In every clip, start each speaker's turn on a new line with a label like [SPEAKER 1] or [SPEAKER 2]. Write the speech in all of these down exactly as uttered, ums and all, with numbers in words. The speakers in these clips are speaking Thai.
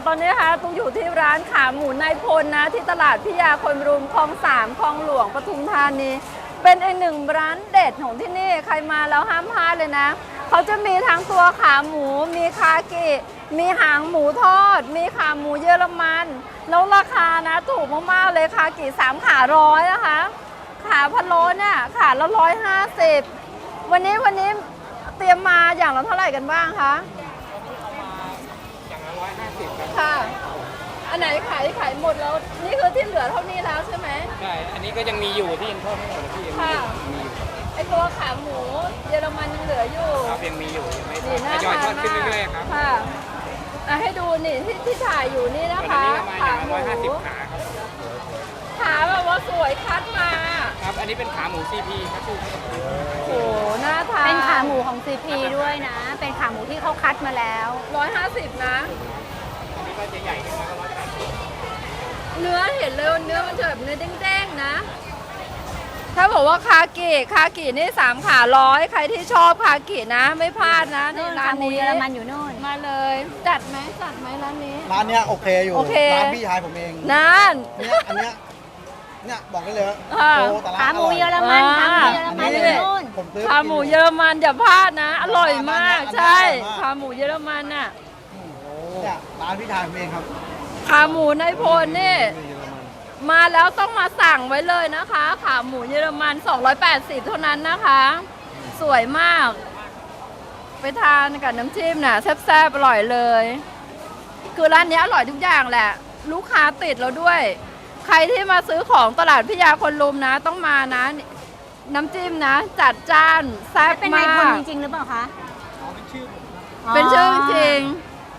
[SPEAKER 1] ตอนนี้นะคะตุ๊กอยู่ที่ร้านขาหมูนายพลนะที่ตลาดพิยาคนรุมคลองสามคลองหลวงปทุมธานีเป็นอีกหนึ่งร้านเด็ดของที่นี่ใครมาแล้วห้ามพลาดเลยนะเขาจะมีทั้งตัวขาหมูมีคากิมีหางหมูทอดมีขาหมูเยอรมันแล้วราคานะถูกมากๆเลยคากิสามขาร้อยนะคะขาพะโล้เนี่ยขาละร้อยห้าสิบวันนี้วันนี้เตรียมมาอย่างละเท่าไหร่กันบ้างคะ
[SPEAKER 2] อย่างละร้อยห้าสิบครับ
[SPEAKER 1] ค่ะอันไหนขายขายหมดแล้วนี่คือที่เหลือเท่านี้แล้วใช่ไหม
[SPEAKER 2] ใช่อันนี้ก็ยังมีอยู่ที่ยังทอดไม่หมดพี่ยังมีมีอยู่
[SPEAKER 1] ไอตัวขาหมูเยอรมันยังเหลืออยู่
[SPEAKER 2] ครับยังมีอยู่ยังไม่ทอดทยอยทอดขึ้นเรื่อยๆครับ
[SPEAKER 1] ค่ะให้ดูนี่ที่ที่ถ่ายอยู่นี่นะคะ
[SPEAKER 2] ขาหมูร้อยห้าสิบขาครับ
[SPEAKER 1] ขาแบบว่าสวยคัดมา
[SPEAKER 2] ครับอันนี้เป็นขาหมูซีพีครับพี่
[SPEAKER 1] โอ้น่าทาน
[SPEAKER 3] เป็นขาหมูของซีพีด้วยนะเป็นขาหมูที่เขาคัดมาแล้ว
[SPEAKER 1] ร้อยห้าสิบนะ
[SPEAKER 2] อันนี้ก็จะใหญ่ขึ้นมาก็ร้อยแปดสิบ
[SPEAKER 1] เนื้อเห็นเลยเนื้อมันจะแบบเนื้อแดงๆนะถ้าบอกว่าคากิคากินี่สามขาร้อยใครที่ชอบคากินะไม่พลาดนะในร้านนี้
[SPEAKER 3] เยอรมันอยู่นู่น
[SPEAKER 1] มาเลยจัดไหมจัดไหมร้านนี้
[SPEAKER 4] ร้านเนี้ยโอเคอยู่ร้านพี่ชายผมเอง
[SPEAKER 1] นั่น
[SPEAKER 4] เนี่ยอันเนี้ยเนี่ยบอกได้เลยโตแต่ละ
[SPEAKER 3] ขาหมูเยอรมันขาหมูเยอรมันอยู่นู่น
[SPEAKER 1] ขาหมูเยอรมันอย่าพลาดนะอร่อยมากใช่ขาหมูเยอรมันน่ะ
[SPEAKER 4] เนี่ยร้านพี่ชายผมเองครับ
[SPEAKER 1] ขาหมูนายพลนี่มาแล้วต้องมาสั่งไว้เลยนะคะขาหมูเยอรมันสองร้อยแปดสิบเท่านั้นนะคะสวยมากไปทานกับน้ำจิ้มน่ะแซ่บๆอร่อยเลยคือร้านนี้อร่อยทุกอย่างแหละลูกค้าติดเราด้วยใครที่มาซื้อของตลาดพิยาคนลุมนะต้องมานะน้ำจิ้มนะจัดจ้านแซ่บมาก
[SPEAKER 3] เป็นนายพลจริงๆหรือเปล่าคะ
[SPEAKER 1] เป็นชื่อจริง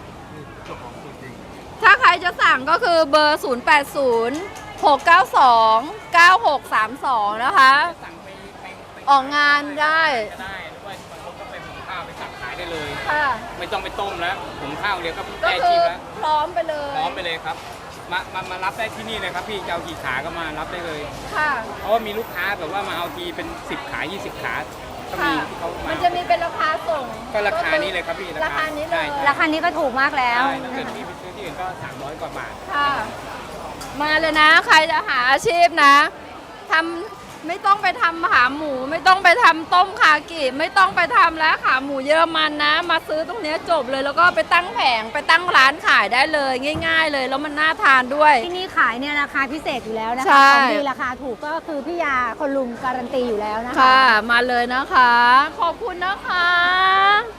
[SPEAKER 1] ถ้าใครจะสั่งก็คือเบอร์ ศูนย์ แปด ศูนย์ หก เก้า สอง เก้า หก สาม สอง นะคะออกงานได้
[SPEAKER 2] ได้ด้วยบางคนก็ไปหุงข้าวไปตักขายได้เลย
[SPEAKER 1] ค่ะ
[SPEAKER 2] ไม่ต้องไปต้มแล้วหุงข้าวเดียวก็
[SPEAKER 1] ได้
[SPEAKER 2] ชิมแล้ว
[SPEAKER 1] พร้อมไปเลย
[SPEAKER 2] พร้อมไปเลยครับมามามารับได้ที่นี่เลยครับพี่จะเอากี่ขาก็มารับได้เลย
[SPEAKER 1] ค่ะ
[SPEAKER 2] เพราะว่ามีลูกค้าแบบว่ามาเอาทีเป็นสิบขายี่สิบขาก็มีเขา
[SPEAKER 1] มามันจะมีเป็นราคาส่ง
[SPEAKER 2] ก็ราคานี้เลยครับพี่
[SPEAKER 1] ราคานี้เลย
[SPEAKER 3] ราคานี้ก็ถูกมากแล้ว
[SPEAKER 2] ถ้าเกิดพี่ไปซื้อที่อื่นก็สามร้อยกว่าบาท
[SPEAKER 1] ค่ะมาเลยนะใครจะหาอาชีพนะทำไม่ต้องไปทำขาหมูไม่ต้องไปทำต้มคากิไม่ต้องไปทำแล้วขาหมูเยอรมันนะมาซื้อตรงนี้จบเลยแล้วก็ไปตั้งแผงไปตั้งร้านขายได้เลยง่ายๆเลยแล้วมันน่าทานด้วย
[SPEAKER 3] ที่นี่ขายเนี่ยราคาพิเศษอยู่แล้วนะคะของดีราคาถูกก็คือพี่ยาคนลุมการันตีอยู่แล้วนะคะ
[SPEAKER 1] ค่ะมาเลยนะคะขอบคุณนะคะ